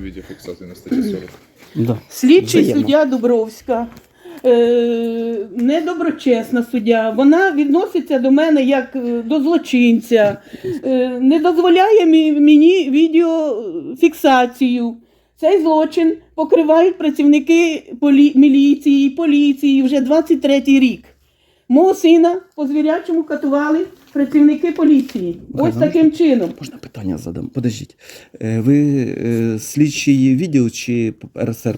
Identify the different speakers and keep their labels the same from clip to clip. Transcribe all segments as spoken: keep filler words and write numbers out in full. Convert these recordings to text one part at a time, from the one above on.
Speaker 1: відеофіксації на статті сорок.
Speaker 2: Да.
Speaker 3: Слідчий
Speaker 2: Взаємно.
Speaker 3: суддя Дубровська, е, недоброчесна суддя, вона відноситься до мене як е, до злочинця, е, не дозволяє мі- мені відеофіксацію. Цей злочин покривають працівники полі- міліції, поліції вже двадцять третій рік. Мого сина по звірячому катували працівники поліції.
Speaker 2: Михайло,
Speaker 3: Ось таким чином.
Speaker 2: Можна питання задам? Подождіть. Е, Ви е, слідчий відділ чи РСРПП?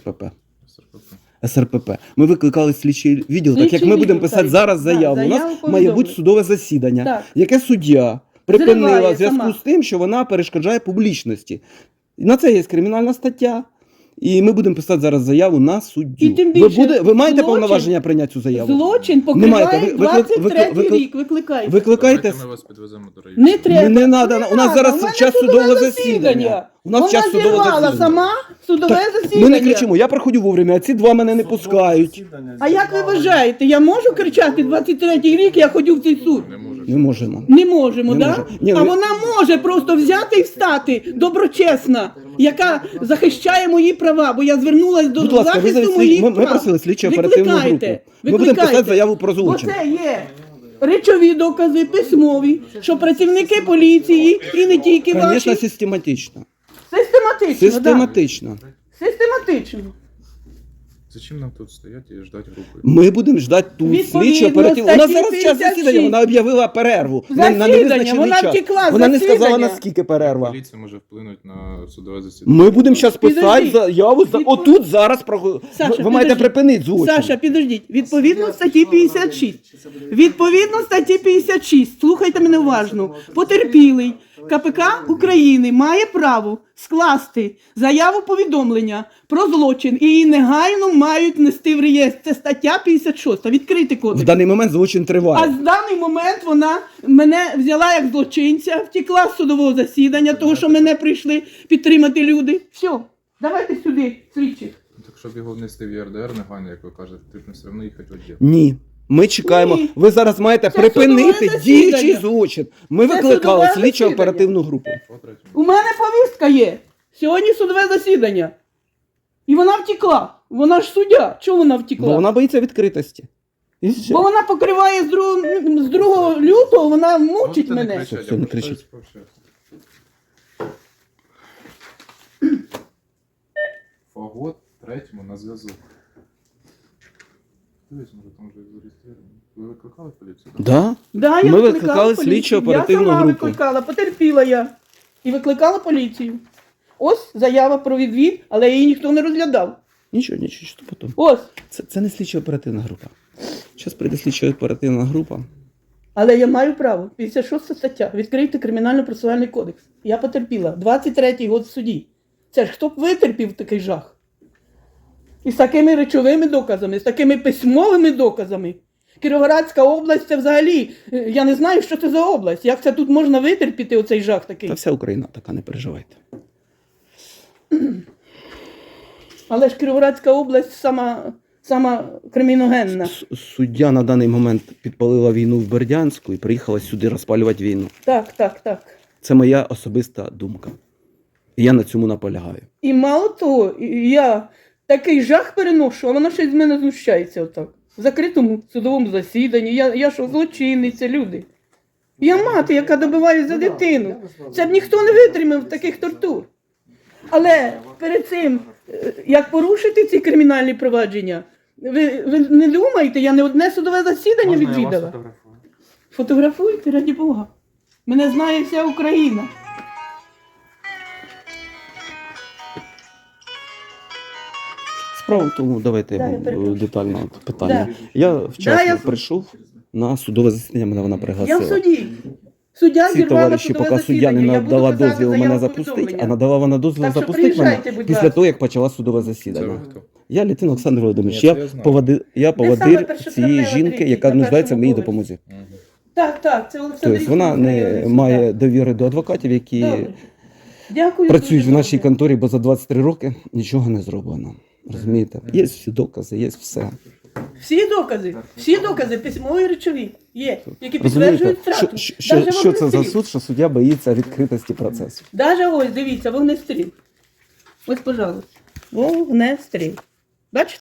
Speaker 2: СРПП. Ми викликали слідчий відділ, так як
Speaker 3: Слідчий
Speaker 2: ми будемо
Speaker 3: відділ,
Speaker 2: писати
Speaker 3: так.
Speaker 2: зараз
Speaker 3: Так,
Speaker 2: заяву. У
Speaker 3: заяву
Speaker 2: нас має
Speaker 3: повідомлю.
Speaker 2: бути судове засідання,
Speaker 3: Так.
Speaker 2: яке суддя припинила
Speaker 3: Зриває
Speaker 2: в зв'язку
Speaker 3: сама.
Speaker 2: з тим, що вона перешкоджає публічності. І на це є кримінальна стаття. І ми будемо писати зараз заяву на суддю.
Speaker 3: І тим
Speaker 2: ви,
Speaker 3: більше
Speaker 2: буде, ви маєте
Speaker 3: злочин-
Speaker 2: повноваження прийняти цю заяву?
Speaker 3: Злочин
Speaker 2: Не маєте.
Speaker 3: покриває
Speaker 2: Ви- виклик-
Speaker 3: двадцять третій
Speaker 2: виклик-
Speaker 3: рік. Викликайте.
Speaker 2: Викликайте.
Speaker 1: Давайте ми вас підвеземо до району.
Speaker 3: Не треба.
Speaker 2: Не, не надо.
Speaker 3: Не
Speaker 2: У нас
Speaker 3: надо.
Speaker 2: зараз
Speaker 3: У мене
Speaker 2: час
Speaker 3: судове
Speaker 2: судового
Speaker 3: засідання.
Speaker 2: засідання. У нас
Speaker 3: Вона
Speaker 2: час судового
Speaker 3: зірвала
Speaker 2: засідання.
Speaker 3: сама судове
Speaker 2: Так,
Speaker 3: засідання.
Speaker 2: ми не кричимо, я приходжу вовремя, а ці два мене не пускають.
Speaker 3: А як ви вважаєте, я можу кричати двадцять третій рік, я ходю в цей суд?
Speaker 1: Не можеш.
Speaker 2: Не можемо.
Speaker 3: Не можемо,
Speaker 2: Не
Speaker 3: так?
Speaker 2: може. Ні,
Speaker 3: А
Speaker 2: ви-
Speaker 3: вона може просто взяти і встати, доброчесна, яка захищає мої права, бо я звернулася до
Speaker 2: Будь ласка, ви
Speaker 3: захисту
Speaker 2: зараз
Speaker 3: моїх
Speaker 2: ми, ми
Speaker 3: прав.
Speaker 2: просили слідчо оперативну групу.
Speaker 3: Викликайте,
Speaker 2: Ми будемо
Speaker 3: викликайте.
Speaker 2: писати заяву про
Speaker 3: Бо
Speaker 2: злочин.
Speaker 3: це є речові докази, письмові, що працівники поліції і не тільки
Speaker 2: Звісно,
Speaker 3: ваші.
Speaker 2: систематично.
Speaker 3: Систематично,
Speaker 2: Систематично.
Speaker 3: Да. Систематично.
Speaker 1: Зачем нам тут стояти і ждати групи?
Speaker 2: Ми будемо ждати тут
Speaker 3: Відповідно,
Speaker 2: слідчо оперативну. У нас
Speaker 3: статті
Speaker 2: зараз час
Speaker 3: п'ятдесят
Speaker 2: засідання,
Speaker 3: шість.
Speaker 2: вона об'явила перерву. на- на
Speaker 3: Засідання,
Speaker 2: невизначений
Speaker 3: вона
Speaker 2: час.
Speaker 3: втекла з
Speaker 2: Вона не сказала,
Speaker 3: засідання.
Speaker 2: наскільки перерва.
Speaker 1: Поліція може вплинути на судове засідання.
Speaker 2: Ми будемо зараз писати
Speaker 3: Підожди.
Speaker 2: заяву, за...
Speaker 3: Відпо-
Speaker 2: отут зараз, про... ви,
Speaker 3: Саша,
Speaker 2: ви маєте
Speaker 3: підожди.
Speaker 2: припинити злочин.
Speaker 3: Саша, підождіть. Відповідно статті п'ятдесят шість. Відповідно статті п'ятдесят шість. Слухайте мене уважно. Потерпілий КПК України має право скласти заяву повідомлення про злочин і її негайно мають внести в реєстр. Це стаття п'ятдесят шість. Відкрийте
Speaker 2: В
Speaker 3: кодекс.
Speaker 2: даний момент злочин триває.
Speaker 3: А з даний момент вона мене взяла як злочинця, втекла з судового засідання, того, що мене прийшли підтримати люди. Все, давайте сюди, слідчих.
Speaker 1: Так, щоб його внести в ЄРДР негайно, як ви кажете, потрібно все одно їхати в відділ.
Speaker 2: Ні. Ми чекаємо.
Speaker 3: Ні.
Speaker 2: Ви зараз маєте
Speaker 3: Це
Speaker 2: припинити
Speaker 3: судове
Speaker 2: діючий
Speaker 3: засідання.
Speaker 2: злочин. Ми
Speaker 3: Це
Speaker 2: викликали
Speaker 3: судове
Speaker 2: слідчо
Speaker 3: засідання.
Speaker 2: оперативну групу.
Speaker 1: По третьому.
Speaker 3: У мене повістка є. Сьогодні судове засідання. І вона втекла. Вона ж суддя. Чого вона втекла?
Speaker 2: Бо вона боїться відкритості. І все.
Speaker 3: Бо вона покриває з другого, з другого лютого, вона мучить
Speaker 1: Можете не
Speaker 3: мене.
Speaker 1: кричати,
Speaker 2: Все,
Speaker 1: я
Speaker 2: не
Speaker 1: просто
Speaker 2: кричіть.
Speaker 1: пообщаюся. Фагот третьому на зв'язок. Дивись, може там вже зареєстровано. Ви викликали поліцію?
Speaker 2: Да?
Speaker 3: Да, я
Speaker 2: Ми
Speaker 3: викликала
Speaker 2: викликали
Speaker 3: поліцію.
Speaker 2: слідчо-оперативну
Speaker 3: Я сама
Speaker 2: групу.
Speaker 3: викликала, потерпіла я. І викликала поліцію. Ось заява про відвід, але її ніхто не розглядав.
Speaker 2: Нічого, нічого, що потім.
Speaker 3: Ось.
Speaker 2: Це, це не слідчо оперативна група. Зараз прийде слідчо оперативна група.
Speaker 3: Але я маю право. п'ятдесят шоста стаття. Відкрийте кримінально-процесуальний кодекс. Я потерпіла. двадцять третій год в суді. Це ж хто б витерпів такий жах? І з такими речовими доказами, з такими письмовими доказами. Кіровоградська область це взагалі, е, я не знаю, що це за область. Як це тут можна витерпіти оцей жах такий?
Speaker 2: Та вся Україна така, не переживайте.
Speaker 3: Але ж Кіровоградська область сама, сама криміногенна.
Speaker 2: С- Суддя на даний момент підпалила війну в Бердянську і приїхала сюди розпалювати війну.
Speaker 3: Так, так, так.
Speaker 2: Це моя особиста думка. І я на цьому наполягаю.
Speaker 3: І мало того, і- я такий жах переношу, а вона ще й з мене знущається отак. В закритому судовому засіданні. Я, я що, злочинниця, люди. Я мати, яка добиває за дитину. Це б ніхто не витримав таких тортур. Але перед цим, е, як порушити ці кримінальні провадження, ви, ви не думаєте, я не одне судове засідання відвідала. Фотографуйте, раді Бога. Мене знає вся Україна.
Speaker 2: Справа в тому, давайте
Speaker 3: Да,
Speaker 2: я
Speaker 3: я
Speaker 2: вам
Speaker 3: перепрошую.
Speaker 2: детально питання.
Speaker 3: Да.
Speaker 2: Я вчасно
Speaker 3: я-
Speaker 2: прийшов на судове засідання, мене вона
Speaker 3: Я
Speaker 2: пригласила.
Speaker 3: в суді. Суддя
Speaker 2: Ці
Speaker 3: зірвала
Speaker 2: товариші,
Speaker 3: судове
Speaker 2: поки суддя не
Speaker 3: засідання. Я буду
Speaker 2: надала
Speaker 3: писати
Speaker 2: дозвіл
Speaker 3: заяву
Speaker 2: мене запустити,
Speaker 3: повідомлення.
Speaker 2: а надала вона дозвіл
Speaker 3: Так що
Speaker 2: запустити мене
Speaker 3: приїжджайте, будь
Speaker 2: після
Speaker 3: ласка.
Speaker 2: того, як почала судове
Speaker 1: Це
Speaker 2: засідання.
Speaker 1: ви хто?
Speaker 2: Я Літин Олександр Володимирович,
Speaker 1: Ні,
Speaker 2: я,
Speaker 1: це я знаю.
Speaker 2: поводи, я
Speaker 3: саме
Speaker 2: поводир
Speaker 3: першотравнева
Speaker 2: цієї жінки,
Speaker 3: тридцять
Speaker 2: яка
Speaker 3: на
Speaker 2: нуждається в моїй
Speaker 3: першому
Speaker 2: допомозі.
Speaker 1: Мгм.
Speaker 3: Так, так, це Олександр.
Speaker 2: Тобто вона не має довіри до адвокатів, які
Speaker 3: Добре. Дякую.
Speaker 2: працюють
Speaker 3: дуже
Speaker 2: в нашій
Speaker 3: добре.
Speaker 2: конторі, бо за двадцять три роки нічого не зроблено. Розумієте? Є всі докази, є все.
Speaker 3: Всі докази, всі докази, письмові і речові є, які
Speaker 2: Розумієте,
Speaker 3: підтверджують
Speaker 2: що,
Speaker 3: втрату.
Speaker 2: що, що,
Speaker 3: Даже
Speaker 2: що це за
Speaker 3: вогнестріл.
Speaker 2: суд, що суддя боїться відкритості процесу?
Speaker 3: Даже ось, дивіться, вогнестріл. Ось, пожалуйста. Вогнестрій. Бачите?